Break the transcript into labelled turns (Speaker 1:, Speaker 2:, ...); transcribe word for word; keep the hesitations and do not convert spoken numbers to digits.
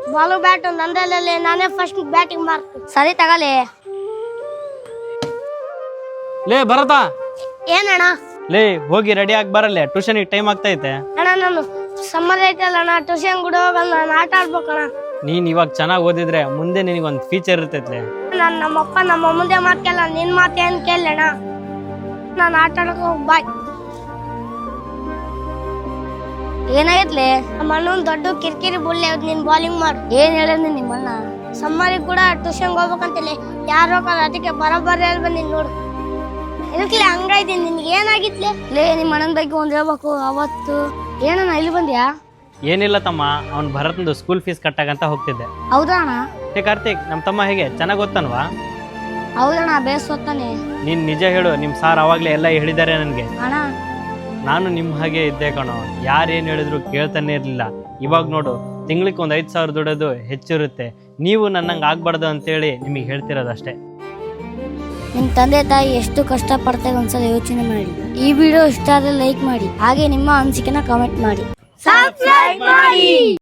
Speaker 1: Balu bat ನಂದಲ್ಲೇ ನಾನೇ first batting ಮಾಡ್ತೀನಿ. ಸರಿ ತಗಲಿ.
Speaker 2: ಲೇ ಭರತ,
Speaker 1: ಏನಣ್ಣ?
Speaker 2: ಲೇ ಹೋಗಿ ರೆಡಿ ಆಗಿ ಬರಲ್ಲೇ, ಟ್ಯೂಷನ್ಗೆ ಟೈಮ್ ಆಗ್ತೈತೆ.
Speaker 1: ಅಣ್ಣ ನಾನು ಸಮ್ಮರ್ ಐತಲ್ಲ ಅಣ್ಣ, ಟ್ಯೂಷನ್ ಕೂಡ ಹೋಗಲ್ಲ, ನಾನು ಆಟ ಆಡ್ಬೇಕಣ್ಣ.
Speaker 2: ನೀನ್ ಇವಾಗ ಚೆನ್ನಾಗಿ ಓದಿದ್ರೆ ಮುಂದೆ ನಿನಗೊಂದು ಫ್ಯೂಚರ್ ಇರ್ತೈತ್ಲೆ.
Speaker 1: ನಾನು ನಮ್ಮಪ್ಪ ನಮ್ಮ ಮುಂದೆ ಮಾತು ಕೇಳ, ನಿನ್ ಮಾತು ಏನ್ ಕೇಳಣ್ಣ. ನಾನು ಆಟ ಆಡಕ್ ಹೋಗಿ ಬಾಯ್. ಏನಾಗೈತ್ಲೆ? ನಮ್ಮ ಅಣ್ಣನ್ ದೊಡ್ಡ ಕಿರಿಕಿರಿ ಬುಳ್ಳೆ, ನೀನ್ ಬೌಲಿಂಗ್ ಮಾಡು. ಏನ್ ಹೇಳಿದ್ನಿ ನಿಮ್ಮಣ್ಣ? ಸಮ್ಮರಿಗೆ ಕೂಡ ಟ್ಯೂಷನ್ಗೆ ಹೋಗ್ಬೇಕಂತಲೇ ಯಾರು ಹೋಗಲ್ಲ, ಅದಕ್ಕೆ ಬರೋಬ್ಬರಿ ಹೇಳಿ ಬಂದಿನಿ ನೋಡು. ಇದಕ್ಲೆ ಹಂಗಾಯ್ತೀನಿ, ನಿನ್ಗೆ ಏನಾಗಿತ್ಲೆ? ಲೇ ನಿಮ್ಮ ಅಣ್ಣನ ಬಗ್ಗೆ ಒಂದ್ ಹೇಳ್ಬೇಕು. ಅವತ್ತು ಏನಣ್ಣ ಇಲ್ಲಿ ಬಂದ್ಯಾ?
Speaker 2: ಏನಿಲ್ಲ ತಮ್ಮ, ಅವ್ನ್ ಭರತಂದು ಸ್ಕೂಲ್ ಫೀಸ್ ಕಟ್ಟಾಗಂತ ಹೋಗ್ತಿದ್ದೆ.
Speaker 1: ಹೌದಾ ಅಣ್ಣ?
Speaker 2: ಏ ಕಾರ್ತಿಕ್, ನಮ್ಮ ತಮ್ಮ ಹೇಗೆ ಚೆನ್ನಾಗಿ ಓದ್ತಾನವಾ?
Speaker 1: ಹೌದಣ್ಣ, ಬೇಸ್ ಓದ್ತಾನೆ.
Speaker 2: ನೀನ್ ನಿಜ ಹೇಳು, ನಿಮ್ ಸಾರ್ ಅವಾಗ್ಲೇ ಎಲ್ಲ ಹೇಳಿದ್ದಾರೆ ನನ್ಗೆ.
Speaker 1: ಅಣ್ಣ
Speaker 2: ನಾನು ನಿಮ್ ಹಾಗೆ ಇದ್ದೆ ಕಣೋ, ಯಾರೇನ್ ಹೇಳಿದ್ರು ಕೇಳ್ತಾನೆ ಇರ್ಲಿಲ್ಲ. ಇವಾಗ ನೋಡು, ತಿಂಗ್ಳಿಗೆ ಒಂದ್ ಐದ್ ಸಾವಿರ ದುಡೋದು ಹೆಚ್ಚಿರುತ್ತೆ. ನೀವು ನನ್ನಂಗೆ ಆಗ್ಬಾರ್ದು ಅಂತೇಳಿ ನಿಮಗೆ ಹೇಳ್ತಿರೋದಷ್ಟೇ.
Speaker 1: ನಿಮ್ಮ ತಂದೆ ತಾಯಿ ಎಷ್ಟು ಕಷ್ಟ ಪಡ್ತಾರೆ ಒಂದ್ಸಲ ಯೋಚನೆ ಮಾಡಿ. ಈ ವಿಡಿಯೋ ಇಷ್ಟ ಆದರೆ ಲೈಕ್ ಮಾಡಿ, ಹಾಗೆ ನಿಮ್ಮ ಅನಿಸಿಕೆನ ಕಾಮೆಂಟ್ ಮಾಡಿ, ಸಬ್ಸ್ಕ್ರೈಬ್ ಮಾಡಿ.